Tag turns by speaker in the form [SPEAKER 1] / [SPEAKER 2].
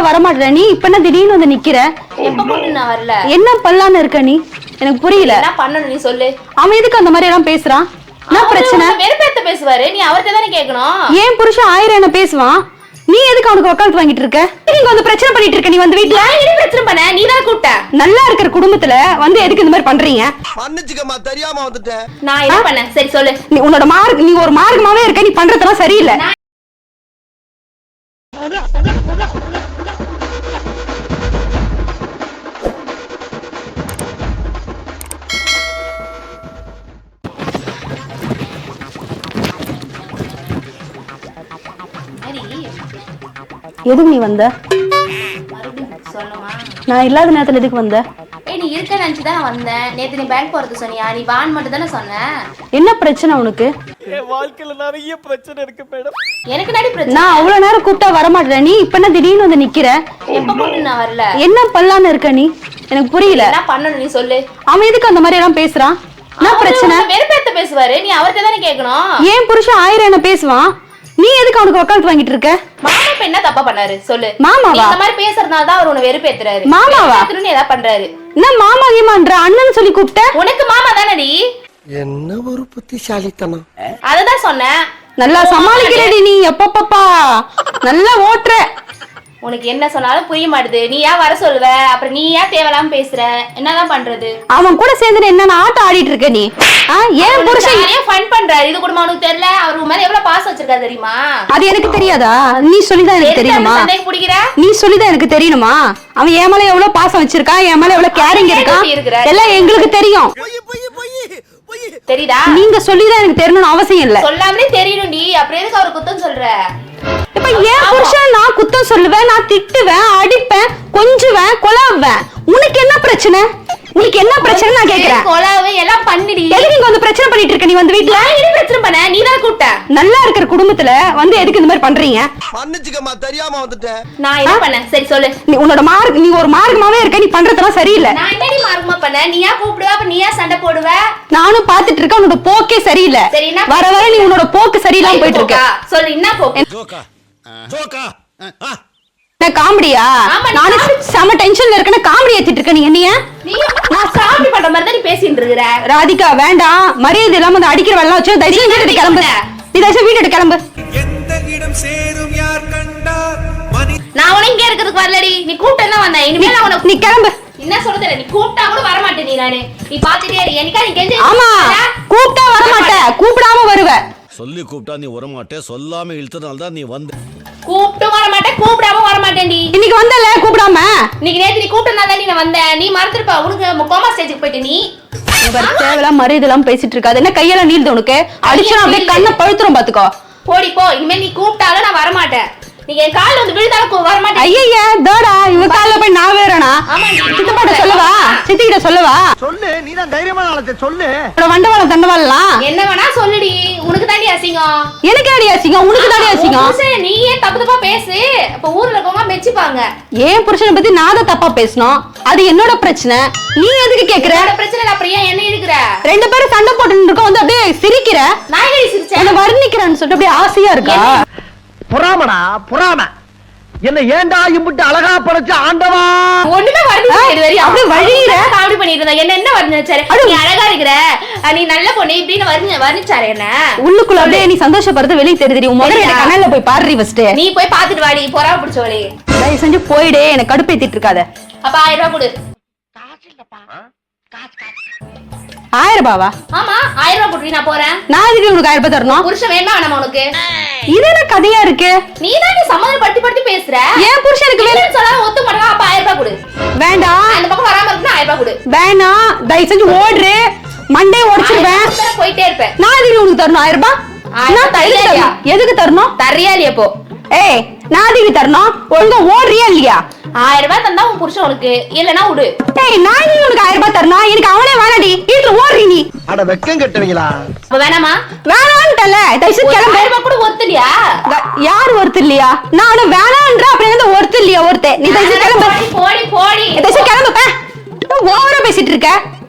[SPEAKER 1] வரமாட்டேற நீ இப்ப என்ன திடீர்னு வந்து நிக்கிற?
[SPEAKER 2] எப்ப போட்டு நான் வரல.
[SPEAKER 1] என்ன பண்ணலான்னு இருக்க நீ? எனக்கு புரியல.
[SPEAKER 2] என்ன பண்ணணும் நீ சொல்லு.
[SPEAKER 1] அவன் எதுக்கு அந்த மாதிரி எல்லாம் பேசுறான்? என்ன பிரச்சனை?
[SPEAKER 2] வெறுப்பேத்த பேசுவாரு, நீ அவர்கிட்ட தானே கேட்கணும்.
[SPEAKER 1] ஏன் புருஷன் 1000 என்ன பேசுவான், நீ எதுக்கு அவனுக்கு வக்காலத்து வாங்கிட்டு இருக்க? நீங்க வந்து பிரச்சனை பண்ணிட்டு இருக்க. நீ வந்து வீட்ல
[SPEAKER 2] என்ன பிரச்சனை பண்ண? நீ தான் கூப்பிட்ட.
[SPEAKER 1] நல்லா இருக்கிற குடும்பத்துல வந்து எதுக்கு இந்த மாதிரி பண்றீங்க?
[SPEAKER 3] மன்னிச்சுக்கமா, தெரியாம வந்துட்டேன்.
[SPEAKER 2] நான் என்ன பண்ணேன்? சரி சொல்லு.
[SPEAKER 1] நீ உன்னோட நீ ஒரு மார்க்கமாவே இருக்க. நீ பண்றதெல்லாம் சரியில்லை. எதுக்கு நீ வந்த?
[SPEAKER 2] சொல்லுமா.
[SPEAKER 1] நான் இல்லாத நேரத்துல எதுக்கு வந்த?
[SPEAKER 2] நீ இருக்க நினைச்சுதான் வந்தேன். நேத்து நீ பேங்க் போறது சொன்னியா? நீ வான் மட்டும் தானே சொன்ன.
[SPEAKER 1] என்ன பிரச்சனை உனக்கு?
[SPEAKER 3] என் வாழ்க்கையில நிறைய பிரச்சனை இருக்கு மேடம்.
[SPEAKER 2] எனக்கு நடி பிரச்சனை.
[SPEAKER 1] நான் அவ்வளவு நேரம் கூப்பிட்டா வரமாட்டேன். நீ இப்ப என்ன திடீர்னு வந்து நிக்கிற?
[SPEAKER 2] எப்ப போட்டு நான் வரல.
[SPEAKER 1] என்ன பண்ணலான்னு இருக்க நீ? எனக்கு புரியல.
[SPEAKER 2] என்ன பண்ணணும் நீ சொல்லு.
[SPEAKER 1] அவன் எதுக்கு அந்த மாதிரி எல்லாம் பேசுறான்? என்ன பிரச்சனை?
[SPEAKER 2] வெறுப்பேத்த பேசுவாரு, நீ அவர்கிட்ட தானே கேட்கணும்.
[SPEAKER 1] ஏன் புருஷன் 1000 என்ன பேசுவான், நீ எதுக்கு அவனுக்கு வக்காலத்து வாங்கிட்டு இருக்க?
[SPEAKER 2] மாமா இப்ப என்ன தப்பா பண்ணாரு சொல்லு.
[SPEAKER 1] மாமாவா?
[SPEAKER 2] இந்த மாதிரி பேசுறதுனால தான் அவர் உன்னை வெறுப்பேத்துறாரு.
[SPEAKER 1] மாமாவா?
[SPEAKER 2] ஏதாவது பண்றாரு.
[SPEAKER 1] என்ன மாமா கீமான்ற அண்ணன் சொல்லி கூப்பிட்ட?
[SPEAKER 2] உனக்கு மாமா தானடி.
[SPEAKER 3] என்ன ஒரு புத்திசாலித்தனம்.
[SPEAKER 2] அததான் சொன்னேன்.
[SPEAKER 1] நல்லா சமாளிக்கிறடி நீ. எப்பப்பா நல்லா ஓட்டுற.
[SPEAKER 2] உனக்கு என்ன சொன்னாலும் புரிய மாட்டுது. நீ ஏன் வர சொல்லுவ, அப்புறம் நீ ஏன் தேவையில்லாம பேசுற? என்னதான் பண்றது?
[SPEAKER 1] அவன் கூட சேர்ந்து என்ன ஆட்டம் ஆடிட்டு இருக்க நீ? ஏன் புருஷன்
[SPEAKER 2] நிறைய ஃபன் பண்றாரு. இது கூட உனக்கு தெரியல? அவர் உன் மேல எவ்வளவு பாசம் வச்சிருக்காரு தெரியுமா?
[SPEAKER 1] அது எனக்கு தெரியாதா? நீ சொல்லிதான் எனக்கு தெரியுமா? நீ சொல்லிதான் எனக்கு தெரியணுமா? அவன் என் மேல எவ்வளவு பாசம் வச்சிருக்கான், என் மேல எவ்வளவு கேரிங் இருக்கான் எல்லாம் எங்களுக்கு தெரியும்.
[SPEAKER 2] தெரியுதா?
[SPEAKER 1] நீங்க சொல்லிதான் எனக்கு தெரியணும்னு அவசியம் இல்ல.
[SPEAKER 2] சொல்லாமலே தெரியணும்டி. அப்புறம் எதுக்கு அவர் குத்தம் சொல்ற?
[SPEAKER 1] இப்ப ஏன் புருஷன் நான் குத்தம் சொல்லுவேன், நான் திட்டுவேன், அடிப்பேன், கொஞ்சுவேன், கொலாவேன். உனக்கு என்ன பிரச்சனை? உனக்கு என்ன பிரச்சனை நான் கேக்குறேன்.
[SPEAKER 2] கொலாவே எல்லாம் பண்ணிடி.
[SPEAKER 1] எதுக்கு நீங்க வந்து பிரச்சனை பண்ணிட்டு இருக்க? நீ வந்து வீட்ல
[SPEAKER 2] என்ன பிரச்சனை பண்ண? நீ தான் கூப்பிட்ட.
[SPEAKER 1] நல்லா இருக்கிற குடும்பத்துல வந்து எதுக்கு இந்த மாதிரி பண்றீங்க?
[SPEAKER 3] மன்னிச்சுக்கமா, தெரியாம வந்துட்டேன்.
[SPEAKER 2] நான் என்ன பண்ணேன்? சரி சொல்லு.
[SPEAKER 1] நீ ஒரு மார்க்கமாவே இருக்க. நீ பண்றதெல்லாம் சரியில்லை.
[SPEAKER 2] நான் என்னடி மார்க்கமா பண்ண? நீ ஏன் கூப்பிடுவ, அப்ப நீ ஏன் சண்டை போடுவ?
[SPEAKER 1] நானும் பாத்துட்டு இருக்கேன். உன்னோட போக்கே சரியில்லை. வர வர நீ உன்னோட போக்கு சரியில்லாம போயிட்டு இருக்க.
[SPEAKER 2] சொல்லு என்ன போக்கு?
[SPEAKER 3] ஜோக்கா ஜோக்கா.
[SPEAKER 1] காமெடியா? நானும் செம டென்ஷன்ல இருக்கேன். காமெடி ஏத்திட்டு இருக்க நீ. என்னைய
[SPEAKER 2] நான் சாமி பண்ற மாதிரி தான் நீ பேசிட்டு இருக்கற.
[SPEAKER 1] ராதிகா வேண்டாம். மரியாதை இல்லாம அந்த அடிக்கிற வெள்ளம் வச்சு தயவு செஞ்சு வீட்டுக்கு கிளம்பு. நீ தயவு செஞ்சு வீட்டுக்கு கிளம்பு.
[SPEAKER 4] எந்த இடம் சேரும் யார் கண்டார் மணி.
[SPEAKER 2] நான் உன இங்க இருக்கிறதுக்கு வரலடி. நீ கூப்பிட்டு தான் வந்தேன். இனிமே நான் உனக்கு
[SPEAKER 1] நீ கிளம்பு.
[SPEAKER 2] என்ன சொல்றது? நீ கூப்பிட்டா கூட வர மாட்டே. நீ பாத்துட்டே இரு. என்னைக்கா நீ கெஞ்சு.
[SPEAKER 1] ஆமா, கூப்பிட்டா வர மாட்டே, கூப்பிடாம வருவ.
[SPEAKER 5] சொல்லி கூப்பிட்டா நீ வர மாட்டே, சொல்லாம இழுத்தனால தான் நீ வந்த.
[SPEAKER 2] கூப்பிட்டு வர மாட்டேன், கூப்பிடாம வர மாட்டேன்டி.
[SPEAKER 1] இன்னைக்கு வந்தல கூப்பிடாம.
[SPEAKER 2] இன்னைக்கு நேத்து நீ கூப்பிட்டனால தான் நான் வந்தேன். நீ மறந்துருப்ப. உனக்கு கோமா ஸ்டேஜுக்கு போயிட்டு நீ
[SPEAKER 1] தேவையில்லாம் மரியாதை எல்லாம் பேசிட்டு இருக்காது. என்ன கையெல்லாம் நீள்து உனக்கு? அடிச்சா அப்படியே கண்ணை பழுத்துரும் பாத்துக்கோ.
[SPEAKER 2] போடி போ. இனிமே நீ கூப்பிட்டாலும் நான் வர மாட்டேன். நீ என் கால்ல வந்து விழுந்தாலும் வர மாட்டேன்.
[SPEAKER 1] ஐயா தோடா இவ கால்ல போய் நான் வேறனா? சித்தப்பாட்ட சொல்லவா? சித்திகிட்ட சொல்லவா?
[SPEAKER 3] சொல்லு, நீ தான் தைரியமான ஆளு. சொல்லு.
[SPEAKER 1] வண்டவாளம் தண்டவாளலாம்
[SPEAKER 2] என்ன வேணா சொல்லுடி. உனக்கு தாண்டி அசிங்கம்.
[SPEAKER 1] எனக்கு தாண்டி அசிங்கம், உனக்கு தாண்டி அசிங்கம்.
[SPEAKER 2] நீ ஏன் தப்பு தப்பா பேசு. அப்ப ஊர்ல இருக்கவங்க மெச்சிப்பாங்க.
[SPEAKER 1] ஏன் புருஷனை பத்தி நான் தான் தப்பா பேசணும். அது என்னோட பிரச்சனை. நீ எதுக்கு கேக்குற?
[SPEAKER 2] பிரச்சனை அப்புறம் ஏன் என்ன இருக்கிற?
[SPEAKER 1] ரெண்டு பேரும் சண்டை போட்டு இருக்கோம். வந்து அப்படியே சிரிக்கிற.
[SPEAKER 2] நான் எங்க சிரிச்சேன்?
[SPEAKER 1] என்ன வர்ணிக்கிறேன்னு சொல்லிட்டு அப்படியே ஆசையா இருக்கா?
[SPEAKER 3] புறாமடா புறாம. என்ன ஏண்டா இம்புட்டு அழகா படைச்ச ஆண்டவா.
[SPEAKER 2] ஒண்ணுமே வர்ணிச்சு
[SPEAKER 1] அப்படியே வழியிற
[SPEAKER 2] காமெடி பண்ணிட்டு இருந்தா. என்ன வர்ணிச்சாரு? நீ அழகா இருக்கிற, நீ நல்ல பொண்ணு இப்படின்னு வர்ணிச்சாரு. என்ன
[SPEAKER 1] உள்ளுக்குள்ள அப்படியே நீ சந்தோஷப்படுறது வெளியே தெரியுது. உன் முதல்ல கண்ணால போய் பாடுறி ஃபர்ஸ்ட்.
[SPEAKER 2] நீ போய் பாத்துட்டு வாடி. பொறா பிடிச்சவளே,
[SPEAKER 1] தயவு செஞ்சு போயிடு. எனக்கு கடுப்பேத்திட்டு இருக்காத.
[SPEAKER 2] அப்ப 1000 ரூபாய் கொடு.
[SPEAKER 1] 1000 ரூபாவா?
[SPEAKER 2] ஆமா 1000 ரூபாய் கொடுறீ. நான் போறேன்.
[SPEAKER 1] நான் இதுக்கு உனக்கு 1000 ரூபாய் தரணும்.
[SPEAKER 2] புருஷன் வேணுமா வேணாமா உனக்கு?
[SPEAKER 1] இது என்ன கதையா இருக்கு?
[SPEAKER 2] நீ தான் சமாதானப்படுத்தி பேசுற.
[SPEAKER 1] ஏன் புருஷனுக்கு வேணும்
[SPEAKER 2] சொல்லாம ஒத்து மாட்டா. அப்ப 1000 ரூபாய் கொடு.
[SPEAKER 1] வேண்டாம்.
[SPEAKER 2] அந்த பக்கம் வராம இருக்குன்னா 1000 ரூபாய் கொடு.
[SPEAKER 1] வேணாம், தயவு செஞ்சு ஓடுற. மண்டே உடைச்சிடுவேன்.
[SPEAKER 2] போயிட்டே இருப்பேன்.
[SPEAKER 1] நான் இதுக்கு உனக்கு தரணும் 1000 ரூபாய். எதுக்கு தரணும்?
[SPEAKER 2] தரியா இல்லையா? போ.
[SPEAKER 1] ஏய், நான் இதுக்கு தரணும். ஒழுங்கா ஓடுறியா இல்லையா?
[SPEAKER 2] 1000 ரூபாய் தந்தா உன் புருஷன் உனக்கு, இல்லனா விடு.
[SPEAKER 1] ஏய், நான் இதுக்கு உனக்கு 1000 ரூபாய் தரணும். எனக்கு அவனே வேணாடி. வீட்டுல ஓடுறீ நீ.
[SPEAKER 3] அட வெக்கம் கட்டுவீங்களா?
[SPEAKER 2] அப்ப வேணாமா?
[SPEAKER 1] வேணான்ட்டல. தயவு செஞ்சு கிளம்பு.
[SPEAKER 2] 1000 ரூபாய் கூட ஒருத்தலையா?
[SPEAKER 1] யார் ஒருத்தர் இல்லையா? நானும் வேணான்ற அப்புறம் வந்து ஒருத்தர் இல்லையா? ஒருத்தர். நீ தயவு செஞ்சு கிளம்பு.
[SPEAKER 2] போடி போடி.
[SPEAKER 1] தயவு செஞ்சு கிளம்பு. ஓவரா பேசிட்டு இருக்க.